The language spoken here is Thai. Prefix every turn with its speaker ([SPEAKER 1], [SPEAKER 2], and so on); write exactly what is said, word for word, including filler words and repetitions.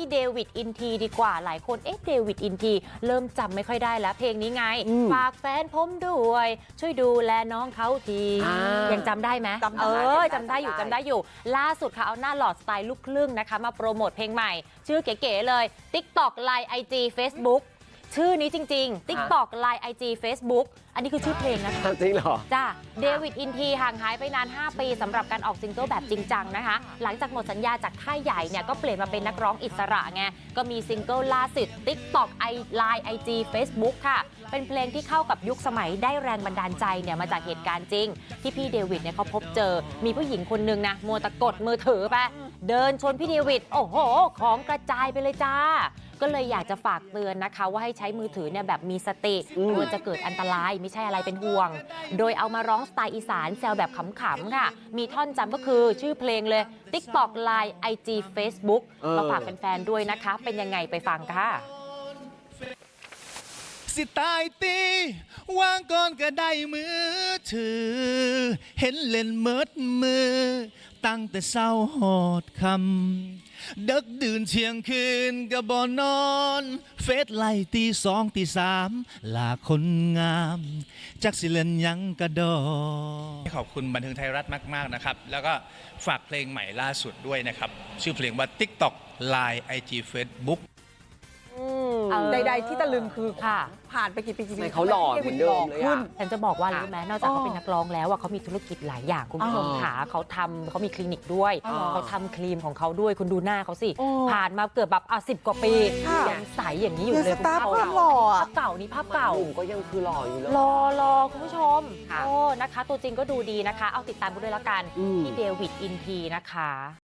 [SPEAKER 1] เดวิดอินทีดีกว่าหลายคนเอ๊ะเดวิดอินทีเริ่มจำไม่ค่อยได้แล้วเพลงนี้ไงฝากแฟนผมด้วยช่วยดูแลน้องเขาทียังจำได้ไหมเออจำได้อยู่จำได้อยู่ล่าสุดค่ะเอาหน้าหลอดสไตล์ลูกครึ่งนะคะมาโปรโมทเพลงใหม่ชื่อเก๋ๆเลย TikTok ไลน์ ไอ จี Facebook ชื่อนี้จริงๆ TikTok ไลน์ ไอ จี Facebook อันนี้คือชื่อเพลงนะคะ
[SPEAKER 2] จริงเหรอ
[SPEAKER 1] จ้าเดวิดอินทีห่างหายไปนานห้าปีสำหรับการออกซิงเกิลแบบจริงจังนะคะหลังจากหมดสัญญาจากค่ายใหญ่เนี่ยก็เปลี่ยนมาเป็นนักร้องอิสระไงก็มีซิงเกิลล่าสุด TikTok ไลน์ ไอ จี Facebook ค่ะเป็นเพลงที่เข้ากับยุคสมัยได้แรงบันดาลใจเนี่ยมาจากเหตุการณ์จริงที่พี่เดวิดเนี่ยเขาพบเจอมีผู้หญิงคนนึงนะมัวตะกดมือถือไปเดินชนพี่เดวิดโอ้โหของกระจายไปเลยจ้าก็เลยอยากจะฝากเตือนนะคะว่าให้ใช้มือถือเนี่ยแบบมีสติกลัวจะเกิดอันตรายไม่ใช่อะไรเป็นห่วงโดยเอามาร้องสไตล์อีสานแซวแบบขำๆค่ะมีท่อนจำก็คือชื่อเพลงเลย TikTok ไลน์ ไอ จี Facebook มาฝากแฟนๆด้วยนะคะเป็นยังไงไปฟังค่ะ
[SPEAKER 3] สิตายตีวางก่อนก็ได้มือถือเห็นเล่นเมิดมือตั้งแต่เศร้าหอดคำดึกดื่นเที่ยงคืนก็บ่นอนเฟซไล่ตีสองตีสามลาคนงามจักสิเล่นยังกระดอขอบคุณบันเทิงไทยรัฐมากๆนะครับแล้วก็ฝากเพลงใหม่ล่าสุดด้วยนะครับชื่อเพลงว่า TikTok ไลน์ ไอ จี Facebook
[SPEAKER 4] ใดๆที่ตะลึงคือค่ะผ่านไปกี่ปีกี่ปี
[SPEAKER 2] เขาหล่อเหมือนเดิมเลยอ่ะ
[SPEAKER 1] ฉันจะบอกว่ารู้ไหมนอกจากเขาเป็นนักร้องแล้วเขามีธุรกิจหลายอย่างคุณผู้ชมขาเขาทำเขามีคลินิกด้วยเขาทำครีมของเขาด้วยคุณดูหน้าเขาสิผ่านมาเกือบแบบอ่ะสิบกว่าปียังใสอย่างนี้อยู่เลยคุณผู้ชมภาพเก่านี้ภาพเก่า
[SPEAKER 2] ก็ยังคือหล่ออยู่เลย
[SPEAKER 1] รอรอคุณผู้ชมโอ้นะคะตัวจริงก็ดูดีนะคะเอาติดตามกันด้วยแล้วกันที่เดวิดอินทีนะคะ